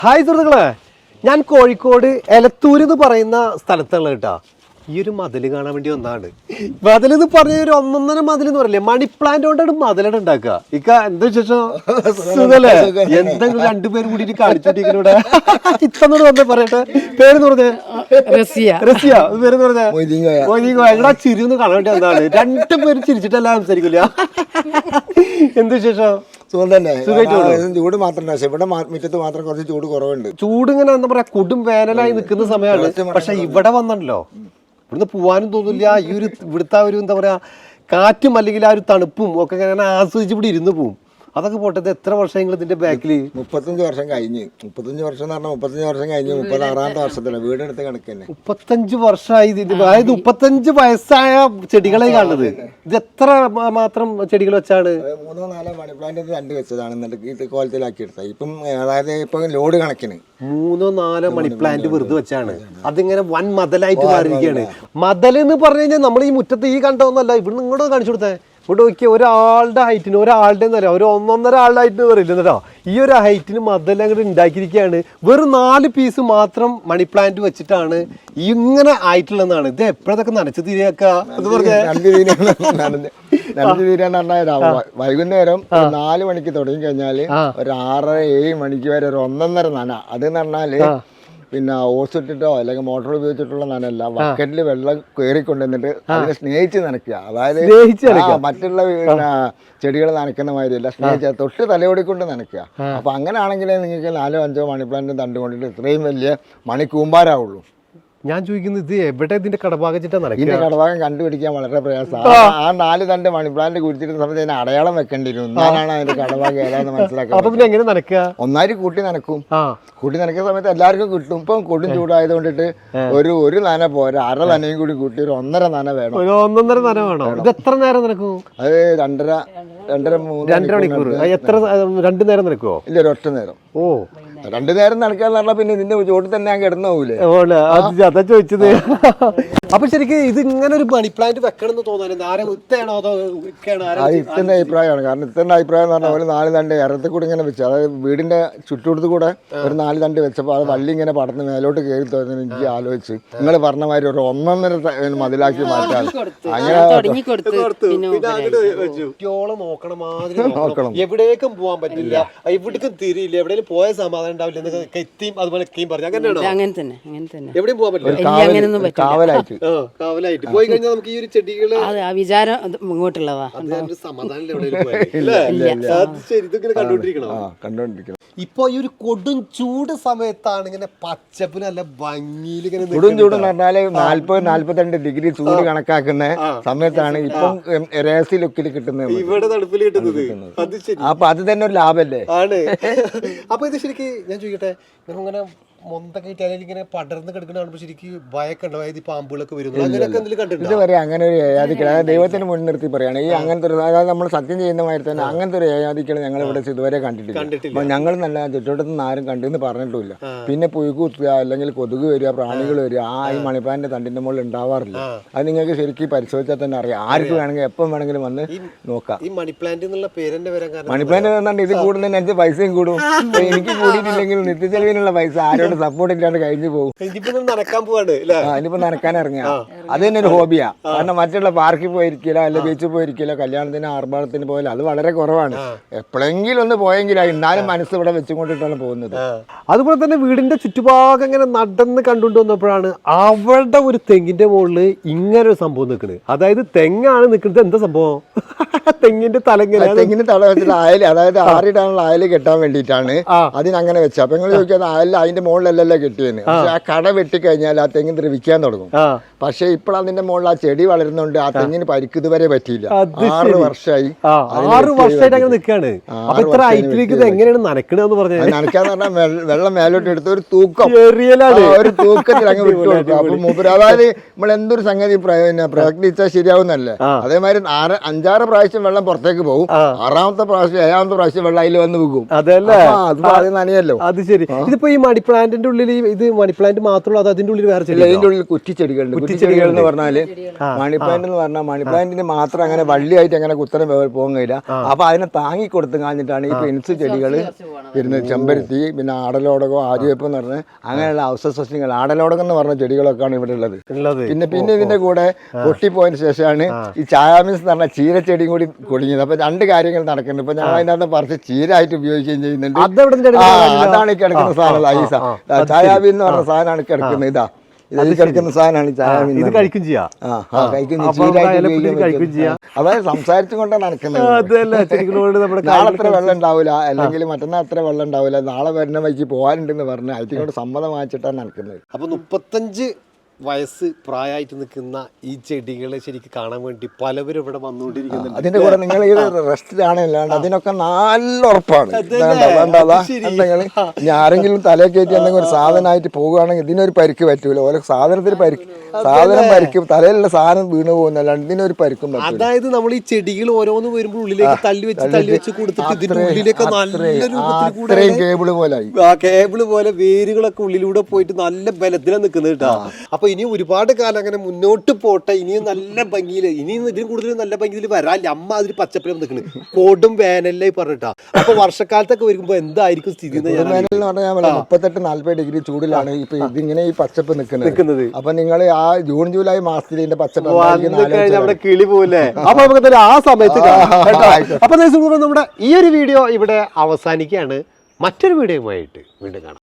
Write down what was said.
Hi സുഹൃത്തുക്കളെ, ഞാൻ കോഴിക്കോട് എലത്തൂര് എന്ന് പറയുന്ന സ്ഥലത്തുള്ള കേട്ടാ. ഈ ഒരു മതിൽ കാണാൻ വേണ്ടി വന്നതാണ്. മതിൽ എന്ന് പറഞ്ഞ ഒരു ഒന്നൊന്നര മതിൽ എന്ന് പറയില്ലേ, മണി പ്ലാന്റ് കൊണ്ടാണ് മതിലാണ് ഉണ്ടാക്കുക. ഇക്ക എന്താ വിശേഷം? സുഖല്ലേ? എന്തെങ്കിലും രണ്ടുപേരും കൂടിയിട്ട് കാണിച്ചോട്ടിവിടെ ഇത്തന്നോട് വന്നേ പറയട്ടെ. പേരെന്ന് പറഞ്ഞേ? റസിയ. പേരെന്ന് പറഞ്ഞേ? എടാ ചിരി ഒന്ന് കാണാൻ വേണ്ടി വന്നതാണ്. രണ്ടുപേരും ചിരിച്ചിട്ടല്ല സംസാരിക്കില്ല. എന്ത് വിശേഷം? ചൂട് മാത്രമല്ല, പക്ഷെ ഇവിടെ മുറ്റത്ത് മാത്രം കുറച്ച് ചൂട് കുറവുണ്ട്. ചൂട് ഇങ്ങനെ എന്താ പറയാ, കൊടും വേനലായി നിൽക്കുന്ന സമയമാണ്. പക്ഷെ ഇവിടെ വന്നല്ലോ, ഇവിടുന്ന് പോവാനും തോന്നില്ല. ഈ ഒരു ഇവിടുത്തെ ഒരു എന്താ പറയാ കാറ്റും അല്ലെങ്കിൽ ആ ഒരു തണുപ്പും ഒക്കെ ഇങ്ങനെ ആസ്വദിച്ച് ഇവിടെ ഇരുന്ന് പോവും. അതൊക്കെ പോട്ടത്. എത്ര വർഷങ്ങൾ ഇതിന്റെ ബാക്കിൽ? 35 വർഷം കഴിഞ്ഞ്. 35 വർഷം എന്ന് പറഞ്ഞാൽ 35 വർഷം കഴിഞ്ഞ് 36ാമത്തെ വർഷത്തില് വീടെടുത്ത് കണക്ക് തന്നെ 35 വർഷമായി. അതായത് 35 വയസ്സായ ചെടികളെ കാണുന്നത്. ഇത് എത്ര മാത്രം ചെടികൾ വെച്ചാണ്? 3-4 മണി പ്ലാന്റ് 2 വെച്ചതാണ് എന്നിട്ട് കോലത്തിലാക്കി എടുത്തത്. ഇപ്പം അതായത് ഇപ്പൊ ലോഡ് കണക്കിന് 3-4 മണി പ്ലാന്റ് വെറുതെ വെച്ചാണ്. അതിങ്ങനെ വൻ മതലായിട്ട് മാറിയിരിക്കുകയാണ്. മതൽ എന്ന് പറഞ്ഞു കഴിഞ്ഞാൽ നമ്മൾ ഈ മുറ്റത്ത് ഈ കണ്ടതൊന്നല്ല. ഇവിടുന്ന് ഇങ്ങോട്ട് കാണിച്ചു കൊടുത്തേ. ഇവിടെ നോക്കിയ ഒരാളുടെ ഹൈറ്റിന്, ഒരാളുടെ എന്ന് പറയാം, ഒരു 1.5 ആളുടെ ഹൈറ്റിന് പറയില്ല കേട്ടോ. ഈ ഒരു ഹൈറ്റിന് മതെല്ലാം അങ്ങോട്ട് ഉണ്ടാക്കിയിരിക്കുകയാണ്. വെറും 4 പീസ് മാത്രം മണി പ്ലാന്റ് വെച്ചിട്ടാണ് ഇങ്ങനെ ആയിട്ടുള്ളതാണ്. ഇത് എപ്പോഴതൊക്കെ നനച്ചു തീരെയാക്ക എന്ന് പറഞ്ഞാൽ വൈകുന്നേരം 4 മണിക്ക് തുടങ്ങി കഴിഞ്ഞാല് ഒരു 6-7 മണിക്ക് വരെ ഒരു 1.5 നന. അതെന്ന് പറഞ്ഞാല് പിന്നെ ഓസ് ഇട്ടിട്ടോ അല്ലെങ്കിൽ മോട്ടോർ ഉപയോഗിച്ചിട്ടുള്ള നനല്ല, ബക്കറ്റിൽ വെള്ളം കയറിക്കൊണ്ടുവന്നിട്ട് അതിനെ സ്നേഹിച്ച് നനയ്ക്കുക. അതായത് മറ്റുള്ള പിന്നെ ചെടികൾ നനയ്ക്കുന്ന മാതിരിയല്ല, സ്നേഹിച്ച തൊട്ട് തലയോടിക്കൊണ്ട് നനയ്ക്കുക. അപ്പൊ അങ്ങനെയാണെങ്കിലേ നിങ്ങൾക്ക് 4-5 മണി പ്ലാന്റ് തണ്ട് കൊണ്ടിട്ട് ഇത്രയും വലിയ മണി കൂമ്പാരാവുള്ളൂ. ഞാൻ ചോദിക്കുന്നത്, ഇത് എവിടെ ഇതിന്റെ കടഭാഗം ഇതിന്റെ കടഭാഗം കണ്ടുപിടിക്കാൻ വളരെ പ്രയാസമാണ്. ആ 4 തണ്ട് മണി പ്ലാന്റ് കുടിച്ചിട്ട് സമയത്ത് അതിന് അടയാളം വെക്കേണ്ടി വരും. എന്നാലാണ് അതിന്റെ കടഭാഗം ഏതാന്ന് മനസ്സിലാക്കുക. എങ്ങനെ നനയ്ക്കുക? ഒന്നായി കൂട്ടി നനക്കും. കൂട്ടി നനയ്ക്കുന്ന സമയത്ത് എല്ലാവർക്കും കിട്ടും. ഇപ്പം കൊടും ചൂടായത് കൊണ്ടിട്ട് ഒരു നന പോരാ, 1/2 നനയും കൂടി കൂട്ടി ഒരു 1.5 നന വേണം. 1.5 നന വേണം. ഇത് എത്ര നേരം നടക്കും? അത് 2.5-3 മണിക്കൂർ. എത്ര 2 നേരം നടക്കുവോ? ഇല്ല, ഒരു ഒറ്റ നേരം. ഓ, 2 നേരം നടക്കാന്ന് പറഞ്ഞാൽ പിന്നെ ഇതിന്റെ ചോട്ടിൽ തന്നെ ഞാൻ കിടന്നു പോകൂലേ? അതാ ചോദിച്ചത്. അപ്പൊ ശരിക്കും ഇത് ഇങ്ങനെ ഒരു മണി പ്ലാന്റ് വെക്കണം എന്ന് തോന്നാൻ ആരെ ഇത്താണോ അതോ ഇത്തന്റെ അഭിപ്രായമാണ്. കാരണം ഇത്തന്റെ അഭിപ്രായം എന്ന് പറഞ്ഞാൽ ഒരു 4 തണ്ട് ഇറത്തിൽ കൂടെ ഇങ്ങനെ വെച്ചു, അതായത് വീടിന്റെ ചുറ്റുകൊടുത്ത് കൂടെ ഒരു 4 തണ്ട് വെച്ചപ്പോൾ അത് വള്ളി ഇങ്ങനെ പടർന്ന് മേലോട്ട് കയറി തോന്നുന്നു. എനിക്ക് ആലോചിച്ച് നിങ്ങൾ പറഞ്ഞ മാതിരി ഒരു 1.5 മതിലാക്കി മാറ്റാൻ അങ്ങനെ നോക്കണം. എവിടേക്കും പോകാൻ പറ്റില്ല, എവിടേക്കും തിരിയില്ല, എവിടെയും പോയ സമാധാനം ഉണ്ടാവില്ല. എത്തിയും അതുപോലെ പറഞ്ഞു അങ്ങനെ തന്നെ എവിടെയും പോകാൻ പറ്റില്ല. കാവലായിട്ട് പോയി കഴിഞ്ഞാൽ നമുക്ക് ഈ ഒരു ചെടികള് വിചാരം ഇങ്ങോട്ടുള്ളതാ സമാധാനം കണ്ടോണ്ടിരിക്കണം. ഇപ്പൊ ഈ ഒരു കൊടും ചൂട് സമയത്താണ് ഇങ്ങനെ പച്ചപ്പിന് നല്ല ഭംഗിയിൽ ഇങ്ങനെ കൊടും ചൂട് എന്ന് പറഞ്ഞാല് 40-42 ഡിഗ്രി ചൂട് കണക്കാക്കുന്ന സമയത്താണ് ഇപ്പം രഹസ്യ ലുക്കിൽ കിട്ടുന്നത്, ഇവിടെ തണുപ്പിൽ കിട്ടുന്നത്. അപ്പൊ അത് തന്നെ ഒരു ലാഭല്ലേ ആണ്. അപ്പൊ ഇത് ശരിക്കും ഞാൻ ചോദിക്കട്ടെ, ഇങ്ങനെ മൊന്തൊക്കെ ഇട്ടാലും ഇങ്ങനെ പടർന്ന് കിടക്കുന്ന ശരിക്കും ഭയൊക്കെ ഉണ്ടോ? അതായത് പാമ്പുകളൊക്കെ വരുന്നു അങ്ങനെയൊക്കെ എന്തെങ്കിലും കണ്ടിട്ടുണ്ട്? ഇത് പറയാം, അങ്ങനെ ഒരു ഏയാദിക്കൾ, അതായത് ദൈവത്തിന് മുൻനിർത്തി പറയുകയാണ് ഈ അങ്ങനത്തെ ഒരു, അതായത് നമ്മൾ സത്യം ചെയ്യുന്ന മാതിരി തന്നെ അങ്ങനത്തെ ഒരു ഏയാദിക്കൾ ഞങ്ങൾ ഇവിടെ ഇതുവരെ കണ്ടിട്ടില്ല. അപ്പൊ ഞങ്ങൾ നല്ല ചുറ്റോട്ടത്തുനിന്ന് ആരും കണ്ടെന്ന് പറഞ്ഞിട്ടില്ല. പിന്നെ പുഴുക്ക് കുത്തുക അല്ലെങ്കിൽ കൊതുക് വരിക, പ്രാണികൾ വരിക, ഈ മണിപ്ലാന്റ് തണ്ടിന്റെ മുകളിൽ ഉണ്ടാവാറില്ല. അത് നിങ്ങൾക്ക് ശരിക്കും പരിശോധിച്ചാൽ തന്നെ അറിയാം. ആർക്ക് വേണമെങ്കിൽ എപ്പം വേണമെങ്കിലും വന്ന് നോക്കാം. ഈ മണിപ്ലാന്റ് എന്നുള്ള പേരെന്നെ വരാൻ കാരണം മണിപ്ലാന്റ് പറഞ്ഞാൽ ഇത് കൂടുന്നതിനനുസരിച്ച് പൈസയും കൂടും. എനിക്ക് കൂടിയിട്ടില്ലെങ്കിൽ നിത്യച്ചെലവിനുള്ള പൈസ ആരോട് സപ്പോർട്ട് ഇല്ലാണ്ട് കഴിഞ്ഞു പോകും. ഇനിയിപ്പോ നനക്കാൻ ഇറങ്ങിയ അത് തന്നെ ഒരു ഹോബിയാ. കാരണം മറ്റുള്ള പാർക്കിൽ പോയിരിക്കില്ല, അല്ലെങ്കിൽ ബീച്ചിൽ പോയിരിക്കില്ല, കല്യാണത്തിന് ആർഭാടത്തിന് പോയാലും അത് വളരെ കുറവാണ്. എപ്പോഴെങ്കിലും ഒന്ന് പോയെങ്കിലും എന്നാലും മനസ്സ് ഇവിടെ വെച്ചുകൊണ്ടിട്ടാണ് പോകുന്നത്. അതുപോലെ തന്നെ വീടിന്റെ ചുറ്റുഭാഗം ഇങ്ങനെ നടന്ന് കണ്ടുകൊണ്ട് വന്നപ്പോഴാണ് അവളുടെ ഒരു തെങ്ങിന്റെ മുകളിൽ ഇങ്ങനെ ഒരു സംഭവം നിൽക്കുന്നത്. അതായത് തെങ്ങാണ് നിൽക്കുന്നത്. എന്താ സംഭവം? തെങ്ങിന്റെ തെങ്ങിന്റെ തല വെച്ചിട്ട് അയല്, അതായത് ആറിടാനുള്ള അയല് കെട്ടാൻ വേണ്ടിയിട്ടാണ് അതിനങ്ങനെ വെച്ചത്. അപ്പൊ നിങ്ങൾ ചോദിക്കാതെ അയൽ അതിന്റെ മുകളിലല്ലല്ലോ കെട്ടിയെന്ന്. പക്ഷെ ആ കട വെട്ടിക്കഴിഞ്ഞാൽ ആ തെങ്ങിന് ദ്രവിക്കാൻ തുടങ്ങും. പക്ഷെ ഇപ്പോൾ അതിന്റെ മുകളിൽ ആ ചെടി വളരുന്നുണ്ട്. ആ തെങ്ങിന് പരിക്ക് ഇതുവരെ പറ്റിയില്ല. 6 വർഷമായി അങ്ങനെ നിൽക്കാണ്. നനക്കാന്ന് പറഞ്ഞാൽ വെള്ളം മേലോട്ട് എടുത്ത് ഒരു തൂക്കം, ഒരു തൂക്കത്തിൽ അങ്ങ് വിട്ടു കൊടുക്കും. അപ്പൊ മൂപ്പര്, അതായത് നമ്മൾ എന്തൊരു സംഗതി പ്രയത്നിച്ചാൽ ശരിയാവുന്നല്ലേ, അതേമാതിരി 5-6 പ്രാവശ്യം വെള്ളം പുറത്തേക്ക് പോകും. 6ാമത്തെ പ്രാവശ്യം 7ാമത്തെ പ്രാവശ്യം വെള്ളം അതിൽ വന്ന് പോകും. അതല്ലേ, അത് നനയല്ലോ. അത് ശരി. ഇതിപ്പോ ഈ മണി പ്ലാന്റ് പ്ലാന്റിന്റെ ഉള്ളിൽ ഇത് മണി പ്ലാന്റ് മാത്രമേ അത് അതിന്റെ ഉള്ളിൽ വേറെ ചെടി ഇതിന്റെ ഉള്ളിൽ കുറ്റിച്ചെടികളുണ്ട്. കുറ്റിച്ചെടികൾ എന്ന് പറഞ്ഞാല് മണി പ്ലാന്റ് എന്ന് പറഞ്ഞാൽ മണി പ്ലാന്റിന് മാത്രം അങ്ങനെ വള്ളിയായിട്ട് അങ്ങനെ കുത്തനെ പോകാൻ കഴിയില്ല. അപ്പൊ അതിനെ താങ്ങി കൊടുത്തു കാണിച്ചിട്ടാണ് ഈ പെൻസ് ചെടികൾ വരുന്നത്. ചെമ്പരത്തി, പിന്നെ ആടലോടകം, ആര്യവേപ്പ് എന്ന് പറഞ്ഞ അങ്ങനെയുള്ള ഔഷധ സസ്യങ്ങൾ, ആടലോടകം എന്ന് പറഞ്ഞ ചെടികളൊക്കെയാണ് ഇവിടെ ഉള്ളത്. പിന്നെ ഇതിന്റെ കൂടെ പൊട്ടിപ്പോയതിനു ശേഷമാണ് ഈ ചായാമീൻസ് എന്ന് പറഞ്ഞ ചീരച്ചെടിയും കൂടി കൊടിഞ്ഞത്. അപ്പൊ രണ്ട് കാര്യങ്ങൾ നടക്കുന്നുണ്ട്. ഇപ്പൊ ഞങ്ങൾ അതിനകത്ത് പറിച്ച് ചീരായിട്ട് ഉപയോഗിക്കുകയും ചെയ്യുന്നുണ്ട്. അതാണ് ഈ കിടക്കുന്ന സാധനം. ചായാബീൻ എന്ന് പറഞ്ഞ സാധനമാണ് കിടക്കുന്നത്. ഇതാ ഇത് കിടക്കുന്ന സാധനമാണ് ചായാബീൻ. ഇത് കഴിക്കും ചെയ്യാം. അതായത് സംസാരിച്ചും കൊണ്ടാണ് നടക്കുന്നത്. നാളെ അത്ര വെള്ളം ഉണ്ടാവില്ല, അല്ലെങ്കിൽ മറ്റന്നാൾ അത്ര വെള്ളം ഉണ്ടാവില്ല, നാളെ വരുന്ന വഴിക്ക് പോകാനുണ്ടെന്ന് പറഞ്ഞ് അതിനോട് സമ്മതം വാങ്ങിച്ചിട്ടാണ് നടക്കുന്നത്. അപ്പൊ 35 വയസ്സ് പ്രായമായിട്ട് നിൽക്കുന്ന ഈ ചെടികളെ ശരിക്കും കാണാൻ വേണ്ടി പലവരും ഇവിടെ വന്നുകൊണ്ടിരിക്കുന്നുണ്ട്. അതിന്റെ കൂടെ നിങ്ങൾ ഈ റെസ്റ്റിലാണല്ലാണ്ട് അതിനൊക്കെ നല്ല ഉറപ്പാണ്. എന്തെങ്കിലും ഇനി ആരെങ്കിലും തലേ കയറ്റി എന്തെങ്കിലും ഒരു സാധനമായിട്ട് പോകുകയാണെങ്കിൽ ഇതിനൊരു പരിക്ക് പറ്റൂല. ഓരോ സാധനത്തിന് സാധനം പരിക്കും, തലയിലുള്ള സാധനം വീണു പോകുന്നല്ലാണ്ട് ഇതിനൊരു പരിക്കും പറ്റൂല. അതായത് നമ്മൾ ഈ ചെടികൾ ഓരോന്ന് വരുമ്പോൾ ഉള്ളിലേക്ക് തള്ളി വെച്ച് കൊടുത്തിട്ട് ഇതിന്റെ ഉള്ളിലേക്ക് ഇത്രയും കേബിള് പോലെ കേബിള് പോലെ വേരുകളൊക്കെ ഉള്ളിലൂടെ പോയിട്ട് നല്ല ബലത്തിലാണ് നിൽക്കുന്നത് കേട്ടോ. അപ്പൊ ഇനി ഒരുപാട് കാലം അങ്ങനെ മുന്നോട്ട് പോട്ടെ. ഇനിയും നല്ല ഭംഗിയിൽ, ഇനിയും ഇതിന് കൂടുതൽ നല്ല ഭംഗിയിൽ വരാല്ല. അമ്മ അതിൽ പച്ചപ്പരം നിൽക്കുന്നത് കൊടും വേനലായി പറഞ്ഞിട്ടാ. അപ്പൊ വർഷക്കാലത്തൊക്കെ വരുമ്പോ എന്തായിരിക്കും സ്ഥിതി? വേനൽ എന്ന് പറഞ്ഞാൽ 38-40 ഡിഗ്രി ചൂടിലാണ് ഇപ്പൊ ഇതിങ്ങനെ ഈ പച്ചപ്പ് നിൽക്കുന്നത്. അപ്പൊ നിങ്ങൾ ആ ജൂൺ ജൂലൈ മാസത്തിൽ ഇതിന്റെ പച്ചപ്പ് നമ്മുടെ കിളി പോലെ. അപ്പൊ നമുക്ക് ആ സമയത്ത് അപ്പൊ നമ്മുടെ ഈ ഒരു വീഡിയോ ഇവിടെ അവസാനിക്കുകയാണ്. മറ്റൊരു വീഡിയോയുമായിട്ട് വീണ്ടും കാണാം.